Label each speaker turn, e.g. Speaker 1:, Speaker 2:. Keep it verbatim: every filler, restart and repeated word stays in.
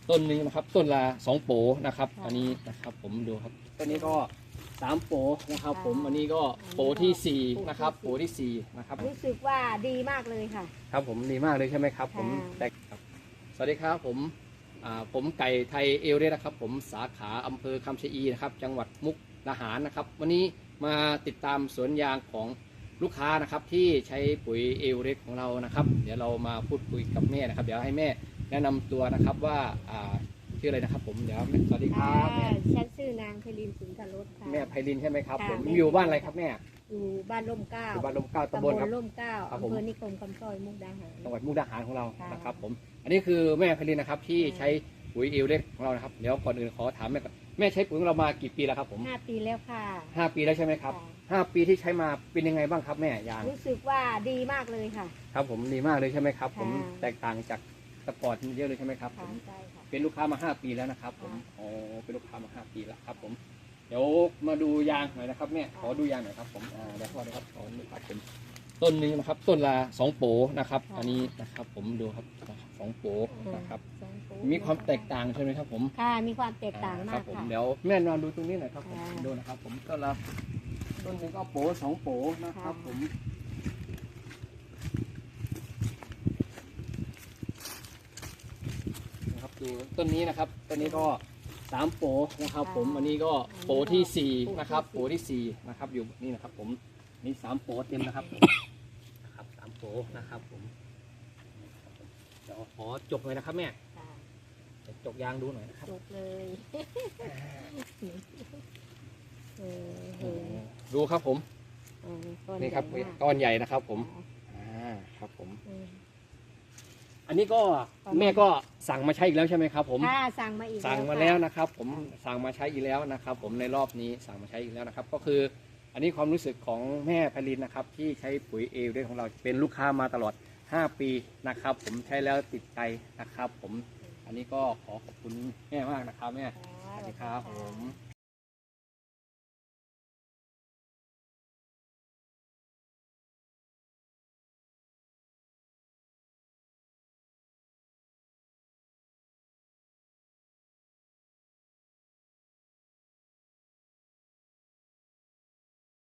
Speaker 1: ต้นหนึ่งนะครับต้นละสองโปนะครับอันนี้นะครับผมดูครับต้นนี้ก็สามโปนะครับผมอันนี้ก็โปที่สี่นะครับโปที่สี่นะครับ
Speaker 2: รู้สึกว่าดีมากเลยค่ะ
Speaker 1: ครับผมดีมากเลยใช่ไหมครับผมแต่สวัสดีครับผมผมไก่ไทยเอลเรสนะครับผมสาขาอำเภอคำชะอีนะครับจังหวัดมุกดาหารนะครับวันนี้มาติดตามสวนยางของลูกค้านะครับที่ใช้ปุ๋ยเอลเรสของเรานะครับเดี๋ยวเรามาพูดคุยกับแม่นะครับเดี๋ยวให้แม่แนะนำตัวนะครับว่าชื่ออะไรนะครับผมเดี๋ยวสวัสดีครับแม่
Speaker 2: ฉันชื่อนางไพลินสุนทรสค่ะ
Speaker 1: แม่ไพลินใช่ไหมครับผมอยู่บ้านอะไรครับแม่
Speaker 2: อยู่บ้านร่มเกล้า
Speaker 1: อยู่บ้านร่มเกล้าตำบลครับ
Speaker 2: ร่มเกล้าอำเภอนิคมคำสร้อยมุกดาหาร
Speaker 1: จังหวัดมุกดาหารของเรานะครับผมอันนี้คือแม่ไพลินนะครับที่ใช้ปุ๋ยเอลเรสของเรานะครับเดี๋ยวก่อนอื่นขอถามแม่ก่อนแม่ใช้ปุ๋ยของเรามากี่ปีแล้วครับผม
Speaker 2: ห้าปีแล้วค่ะ
Speaker 1: ห้าปีแล้วใช่ไหมครับห้าปีที่ใช้มาเป็นยังไงบ้างครับแม่ยาง
Speaker 2: รู้สึกว่าดีมากเลยค่ะ
Speaker 1: ครับผมดีมากเลยใช่ไหมครับผมแตกต่างจากแต่ก่อนเยอะเลยใช่ไหมครับผมเป็นลูกค้ามาห้าปีแล้วนะครับผมอ๋อเป็นลูกค้ามาห้าปีแล้วครับผมเดี๋ยวมาดูยางหน่อยนะครับแม่ขอดูยางหน่อยครับผมอ่าเดี๋ยวขอนะครับขอดูครับผมต้นหนึ่งนะครับต้นละสองโปนะครับอันนี้นะครับผมดูครับสองโปนะครับมีความแตกต่างใช่ไหมครับผม
Speaker 2: ค่ะมีความแตกต่างมาก
Speaker 1: ค่ะเดี๋ยวแม่นอนดูตรงนี้หน่อยครับผมดูนะครับผมต้นละต้นหนึ่งก็โปสองโปนะครับผมนะครับดูต้นนี้นะครับต้นนี้ก็สามโปนะครับผมอันนี้ก็โปที่สี่นะครับโปที่สี่นะครับอยู่นี่นะครับผมนี่สามโปเต็มนะครับนะครับสามโปนะครับผมเดี๋ยวขอจกเลยนะครับแม่จกยางดูหน่อยนะครับ
Speaker 2: จกเลย
Speaker 1: ดูครับผมนี่ครับก้อนใหญ่นะครับผมอ่าครับผมอันนี้ก็แม่ก็สั่งมาใช้อีกแล้วใช่ไหมครับผม
Speaker 2: ค่ะสั่งมาอีก
Speaker 1: สั่งมาแล้วนะครับผมสั่งมาใช้อีกแล้วนะครับผมในรอบนี้สั่งมาใช้อีกแล้วนะครับก็คืออันนี้ความรู้สึกของแม่ไพลินนะครับที่ใช้ปุ๋ยเอลเรสของเราเป็นลูกค้ามาตลอดห้าปีนะครับผมใช้แล้วติดใจนะครับผมอันนี้ก็ขอขอบคุณแม่มากนะครับแม่สวัสดีครับผม